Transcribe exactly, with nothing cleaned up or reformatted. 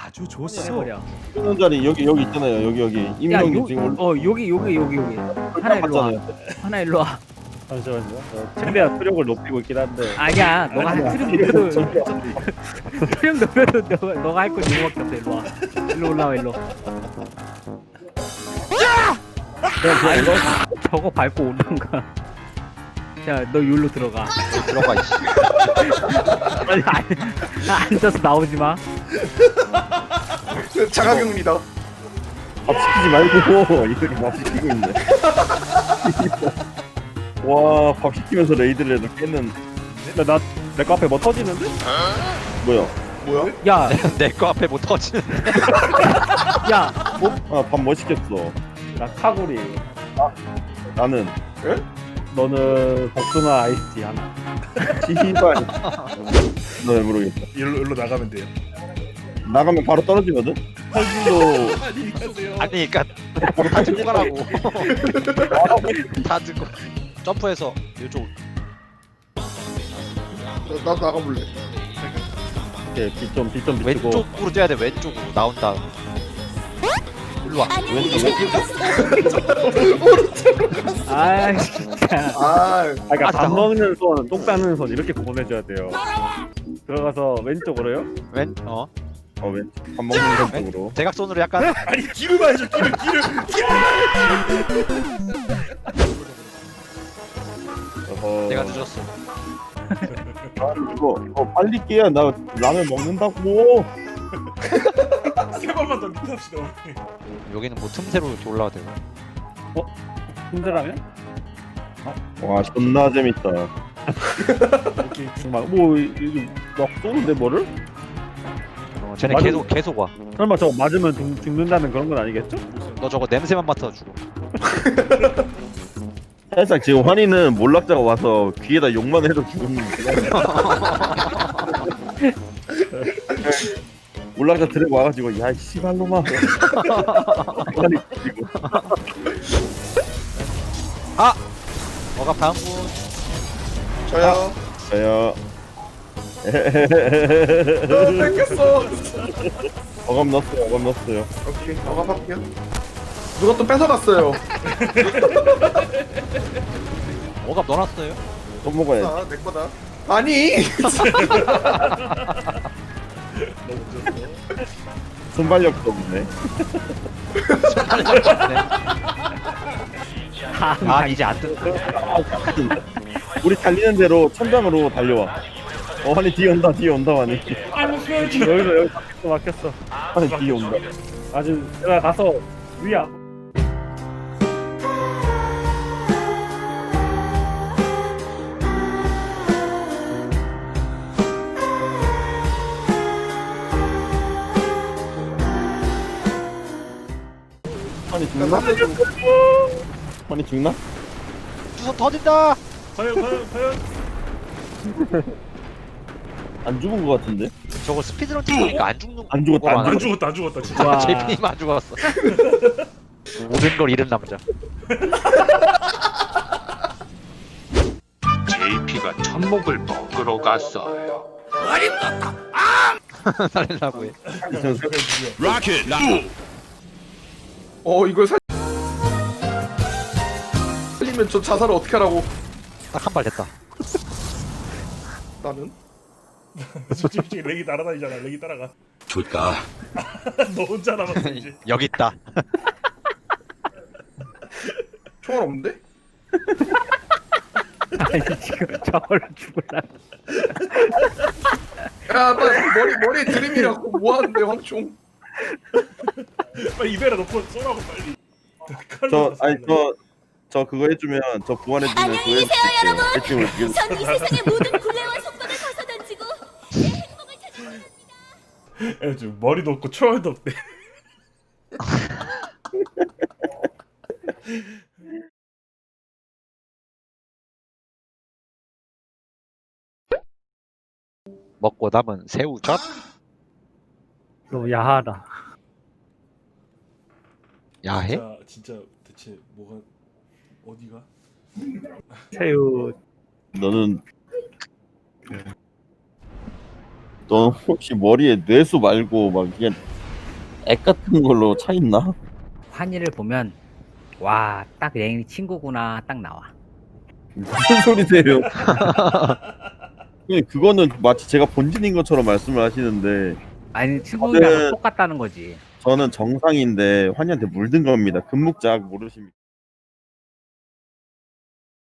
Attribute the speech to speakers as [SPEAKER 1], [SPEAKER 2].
[SPEAKER 1] 아주 좋소.
[SPEAKER 2] 해버려.
[SPEAKER 3] 있는 자리 여기 여기 있잖아요. 여기 여기
[SPEAKER 2] 야,
[SPEAKER 3] 임명님
[SPEAKER 2] 요,
[SPEAKER 3] 지금 올
[SPEAKER 2] 어 여기 여기 여기 여기. 하나 일로 와.
[SPEAKER 3] 봤잖아요.
[SPEAKER 2] 하나 일로 와.
[SPEAKER 4] 잠시만요. 어, 최대한 투력을 높이고 있긴 한데.
[SPEAKER 2] 아니야, 너가 한 트름 높여도 트름 높여도 너가 너가 할 건 이거밖에 없어. 일로 와. 일로 올라와 일로.
[SPEAKER 3] 그냥 그냥 이거
[SPEAKER 2] 저거 밟고 오는가. 자, 너 여기로 들어가.
[SPEAKER 5] 들어가 이씨.
[SPEAKER 2] 아니, 앉아서 나오지 마.
[SPEAKER 6] 자가격리다.
[SPEAKER 3] 밥 시키지 말고 이렇게 밥 시키고 있네. 와, 밥 시키면서 레이드를 해도 깨는
[SPEAKER 4] 근데 나내 거 앞에 뭐 터지는데?
[SPEAKER 3] 뭐야?
[SPEAKER 6] 뭐야?
[SPEAKER 2] 야,
[SPEAKER 5] 내 거 앞에 못 터지는.
[SPEAKER 2] 야,
[SPEAKER 3] 아, 밥 뭐 시켰어?
[SPEAKER 4] 나 카구리.
[SPEAKER 3] 나는
[SPEAKER 4] 너는 복숭아 아이스티 하나.
[SPEAKER 3] 시발. 너왜 모르겠다.
[SPEAKER 1] 일로 일로 나가면 돼요.
[SPEAKER 3] 나가면 바로 떨어지거든. 탈진도
[SPEAKER 1] 안녕히 가세요.
[SPEAKER 5] 아니 그니까 다 들고 가라고. 다 들고 점프해서 이쪽.
[SPEAKER 6] 나 나가볼래.
[SPEAKER 4] 이렇게 빛좀 빛 좀 비추고.
[SPEAKER 5] 왼쪽으로 뛰어야 돼. 왼쪽으로 나온 다음. 일로 와.
[SPEAKER 2] 아 진짜.
[SPEAKER 6] 아,
[SPEAKER 4] 아, 그러니까
[SPEAKER 5] 아,
[SPEAKER 4] 밥
[SPEAKER 5] 진짜?
[SPEAKER 4] 먹는 손, 똥 싸는 손 이렇게 구분해줘야 돼요. 들어가서 왼쪽으로요?
[SPEAKER 5] 왼 어.
[SPEAKER 3] 어, 왼. 밥 먹는 쪽으로.
[SPEAKER 5] 대각선으로 약간.
[SPEAKER 1] 아니 길을 봐야죠. 길을 길을.
[SPEAKER 3] 어허.
[SPEAKER 5] 내가 늦었어.
[SPEAKER 3] 아, 이거 이거 빨리 깨야 나 라면 먹는다고.
[SPEAKER 1] 세 번만 더 리트합시다. 우리.
[SPEAKER 5] 여기는 뭐 틈새로 이렇게 올라가 되고.
[SPEAKER 4] 힘들라면?
[SPEAKER 3] 와, 존나 재밌다.
[SPEAKER 4] 오케이. 정말 뭐 이거 막 쏘는데 뭐를?
[SPEAKER 5] 어, 쟤네
[SPEAKER 4] 맞아.
[SPEAKER 5] 계속 계속 와.
[SPEAKER 4] 설마 저거 맞으면 죽, 죽는다는 그런 건 아니겠죠?
[SPEAKER 5] 너 저거 냄새만 맡아 죽어.
[SPEAKER 3] 살짝 지금 환희는 몰락자가 와서 귀에다 욕만 해도 죽는 몰락자 들고 와가지고 야이 씨발놈아. 환희 죽이고.
[SPEAKER 5] 어갑 다음 분.
[SPEAKER 6] 저요.
[SPEAKER 3] 저요.
[SPEAKER 6] 어, 뺏겼어.
[SPEAKER 3] 어감 넣었어요. 어감 넣었어요.
[SPEAKER 6] 오케이, 나가볼게요. 누가 또 뺏어갔어요.
[SPEAKER 5] 어갑 넣어놨어요.
[SPEAKER 3] 또 먹어야지.
[SPEAKER 6] 아, 내 거다. 아니.
[SPEAKER 3] 순발력도 없네.
[SPEAKER 2] 다음
[SPEAKER 5] 아 이제 안 뜬다.
[SPEAKER 3] 우리 달리는 대로 천장으로 달려와. 어, 환희 뒤에 온다. 뒤에 온다. 환희.
[SPEAKER 4] 여기서 여기 막혔어 막혔어.
[SPEAKER 3] 환희 뒤에 온다.
[SPEAKER 4] 아주 내가 가서 위야.
[SPEAKER 3] 환희 죽나? 환희 죽나?
[SPEAKER 5] 주선 터진다.
[SPEAKER 1] 과연 과연 과연.
[SPEAKER 3] 안 죽은 것 같은데?
[SPEAKER 5] 저거 스피드런 찍으니까 안 죽는.
[SPEAKER 3] 안 죽었다,
[SPEAKER 5] 거로
[SPEAKER 3] 안
[SPEAKER 1] 안
[SPEAKER 5] 하는
[SPEAKER 1] 죽었다 안 죽었다 진짜.
[SPEAKER 2] 와.
[SPEAKER 5] 제이피님 안 죽었어. 모든 걸 잃은 남자.
[SPEAKER 7] 제이피가 천목을 먹으러 갔어요.
[SPEAKER 5] 살려고 해.
[SPEAKER 6] 어, 이걸 살. 살리면 저 자살을 어떻게 하라고?
[SPEAKER 5] 딱 한 발 됐다.
[SPEAKER 6] 나는.
[SPEAKER 1] 솔직히 렉이 날아다니잖아. 렉이 따라가.
[SPEAKER 7] 좋다.
[SPEAKER 1] 너 혼자 남았어 이제.
[SPEAKER 5] 여기 있다.
[SPEAKER 6] 총알 없는데?
[SPEAKER 2] 아니 지금 저걸로 죽을라.
[SPEAKER 6] 야, 빨리 머리 머리에 드림이라고 뭐 하는데 황총?
[SPEAKER 1] 빨리 입에다 놓고 쏘라고 빨리.
[SPEAKER 3] 저 아니 저 저 그거 해주면 저 구원해주면 그거 해줄게요. 해주면 이게
[SPEAKER 8] 전 이 세상의 모든 굴레와 속박을 벗어던지고 내 행복을 찾아갑니다.
[SPEAKER 1] 야, 지금 머리도 없고 초월도 없대.
[SPEAKER 5] 먹고 남은 새우젓.
[SPEAKER 2] 너무 야하다.
[SPEAKER 5] 야해?
[SPEAKER 1] 진짜 진짜 대체 뭐가 어디가?
[SPEAKER 2] 새우.
[SPEAKER 3] 너는 너는 혹시 머리에 뇌수 말고 막 그냥 액 같은 걸로 차 있나?
[SPEAKER 2] 환희를 보면 와, 딱 랭이 친구구나 딱 나와.
[SPEAKER 3] 무슨 소리세요? 형님, 그거는 마치 제가 본진인 것처럼 말씀을 하시는데
[SPEAKER 2] 아니 친구랑
[SPEAKER 3] 저는-
[SPEAKER 2] 똑같다는 거지.
[SPEAKER 3] 저는 정상인데 환희한테 물든 겁니다. 금묵작 모르십니까?